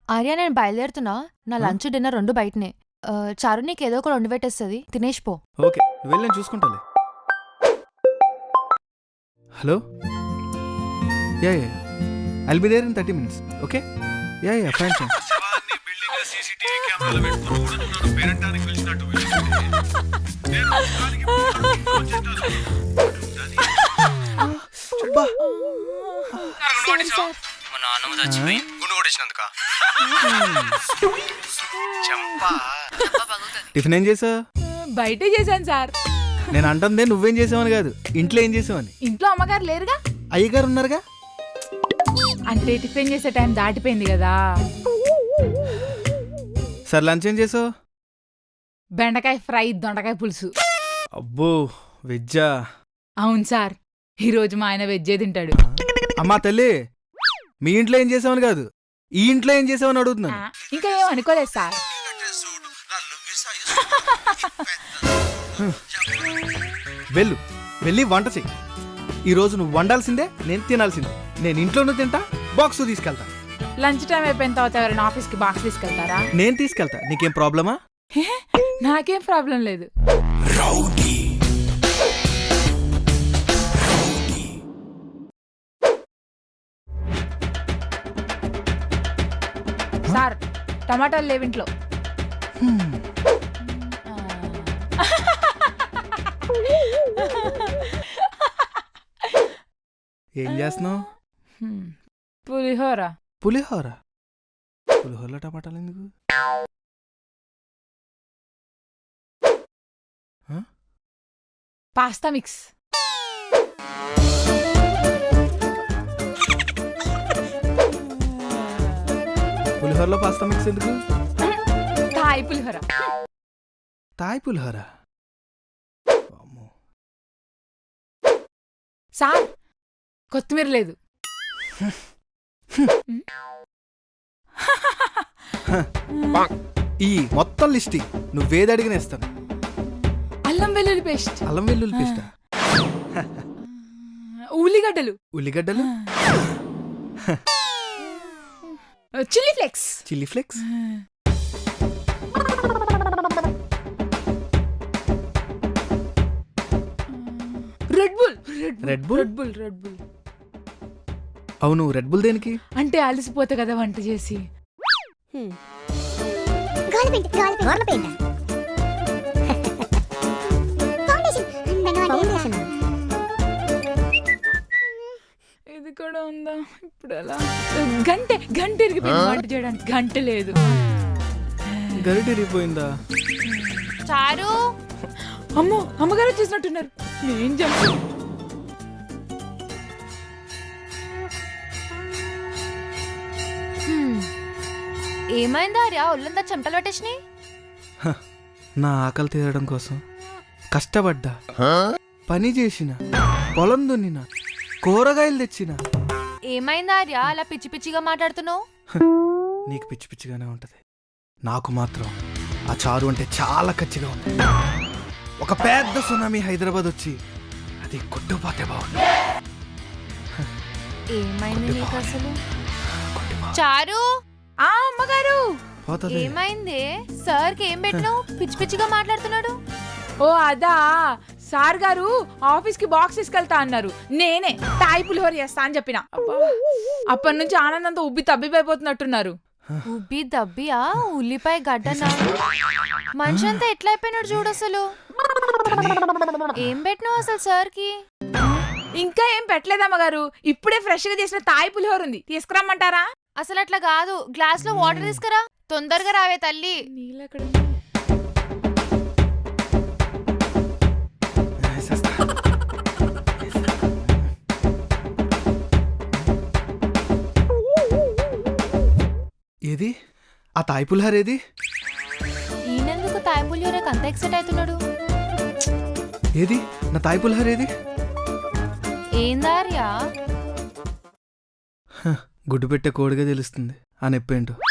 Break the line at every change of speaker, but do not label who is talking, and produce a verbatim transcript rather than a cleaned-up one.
ఆర్య నేను బయలుదేరుతున్నా. నా
ఆ?
లంచ్ డిన్నర్ రెండు బయటనే. ఆ, చారు నీకు ఏదో ఒకటి వండి పెట్టేస్తుంది, తినేసి పో.
ఓకే నువ్వు వెళ్ళి నేను చూసుకుంటాలే. Hello ya ya I'll be there in thirty minutes. Okay ya ya fine fine.
శివాన్ని బిల్డింగ్ లో సీసీటీవీ కెమెరాలు పెట్టుకుని కూడా నువ్వు నన్ను పేరంటానికి పిలిచినట్టు పిలిచింది. నేను దానికి ఫోన్ చేస్తాను.
అబ్బా
మా నాన్నమ్మ చచ్చిపోయి
గుండు కొట్టించినందుక చంపా.
టిఫిన్ ఏం చేసావు?
బయటే చేశాను సార్.
నేను అంటుందే నువ్వేం చేసావని కాదు, ఇంట్లో ఏం చేసావని.
ఇంట్లో అమ్మగారు లేరుగా.
అయ్యగారు ఉన్నారుగా.
అంటే టిఫిన్ చేసే టైం దాటిపోయింది కదా.
సరే లంచ్ ఏం చేసావు?
బెండకాయ ఫ్రై, దొండకాయ పులుసు.
అబ్బో వెజ్జా?
అవును సార్, ఈరోజు మా ఆయన వెజ్జే తింటాడు.
అమ్మా తల్లి, మీ ఇంట్లో ఏం చేసావని కాదు, ఈ ఇంట్లో ఏం చేసావని అడుగుతున్నాను.
ఆ, ఇంకా ఏం అనుకోలేదు సార్.
వెళ్ళు వెళ్ళి వంట చెయ్యి. ఈరోజు నువ్వు వండాల్సిందే, నేను తినాల్సిందే. నేను ఇంట్లోనూ తింటా, బాక్స్ తీసుకెళ్తా.
లంచ్ టైం అయిపోయిన తర్వాత ఎవరైనా ఆఫీస్కి బాక్స్ తీసుకెళ్తారా?
నేను తీసుకెళ్తా, నీకేం ప్రాబ్లమా?
హే, నాకేం ప్రాబ్లం లేదు. సార్ టమాటాలు లేవింట్లో.
ఏం చేస్తున్నావు?
హ్మ్, పులిహోర.
పులిహోర? పులిహోరలో టమాటాలు ఎందుకు?
Pasta mix.
పులిహోరలో పాస్తా మిక్స్ ఎందుకు?
థాయ్ పులిహోర.
తాయ్ పులిహోర? అమ్మో.
సార్ కొత్తిమీర లేదు.
ఈ మొత్తం లిస్ట్ నువ్వేది అడిగిన ఇస్తాను.
అల్లం వెల్లుల్లి పేస్ట్.
అల్లం వెల్లుల్లి పేస్టా?
ఉల్లిగడ్డలు.
ఉల్లిగడ్డలు?
Chilli flakes.
Chilli flakes?
Red Bull.
Red Bull?
Red Bull Red Bull
అవును, రెడ్ బుల్ దేనికి?
అంటే అలసిపోతే కదా వంట చేసి. ఇది కూడా ఉందా? ఇప్పుడు ఎలా? గంటె గంట ఇరిగిపోయింది వంట చేయడానికి. గంట లేదు.
గరిట ఇరిగిపోయిందా?
చారు
అమ్మో, అమ్మగారు చూసినట్టున్నారు. ఏం చెప్పు.
హ్మ్. ఏమైందా ఆర్య? ఒళ్ళంతా చెమటలు పట్టేసినాయి.
హ, నా ఆకలి తీరడం కోసం కష్టపడ్డా, పని చేసిన, పొలం దున్నిన, కూరగాయలు తెచ్చిన.
ఏమైందా ఆర్య అలా పిచ్చి పిచ్చిగా మాట్లాడుతున్నావు?
నీకు పిచ్చి పిచ్చిగానే ఉంటది, నాకు మాత్రం ఆ చారు అంటే చాలా కచ్చిగా ఉంది. ఒక పెద్ద సునామీ హైదరాబాద్ వచ్చి అది కొట్టుపోతే బాగుంది.
ఏమైంది నీకు అసలు? చారు
ఆ అమ్మగారు.
పోతుంది.
ఏమైంది? సార్ కి ఏం పెట్టినావు? పిచ్చి పిచ్చిగా మాట్లాడుతున్నాడు.
ఓ అదా, సార్ గారు ఆఫీస్ కి బాక్స్ తీసుకెళ్తా అన్నారు. నేనే తాయి పులిహోర చేస్తా అని చెప్పిన. అప్పటి నుంచి ఆనందంతో ఉబ్బి తబ్బిపోతున్నట్టున్నారు.
ఉబ్బి దబ్బియా? ఉల్లిపాయ గడ్డనా? మనిషి అంతా ఎట్లా అయిపోయినాడు చూడు అసలు. ఏం పెట్టినావు అసలు సార్ కి?
ఇంకా ఏం పెట్టలేదమ్మగారు. ఇప్పుడే ఫ్రెష్ గా చేసిన తాయి పులిహోర ఉంది, తీసుకురమ్మంటారా?
అసలు అట్లా కాదు, గ్లాస్ లో వాటర్ తీసుకురా. తొందరగా రావే తల్లి.
నీళ్ళెక్కడ?
వేసేస్తా. ఏది ఆ తాయ్ పులిహోర? ఏది?
ఈయనెందుకు తాయి పులిహోరకి అంత ఎక్సైట్ అవుతున్నాడు?
ఏది నా తాయ్ పులిహోర? ఏది?
ఏందార్యా?
గుడ్డు పెట్టే కోడిగా తెలుస్తుంది ఆ నొప్పేంటో.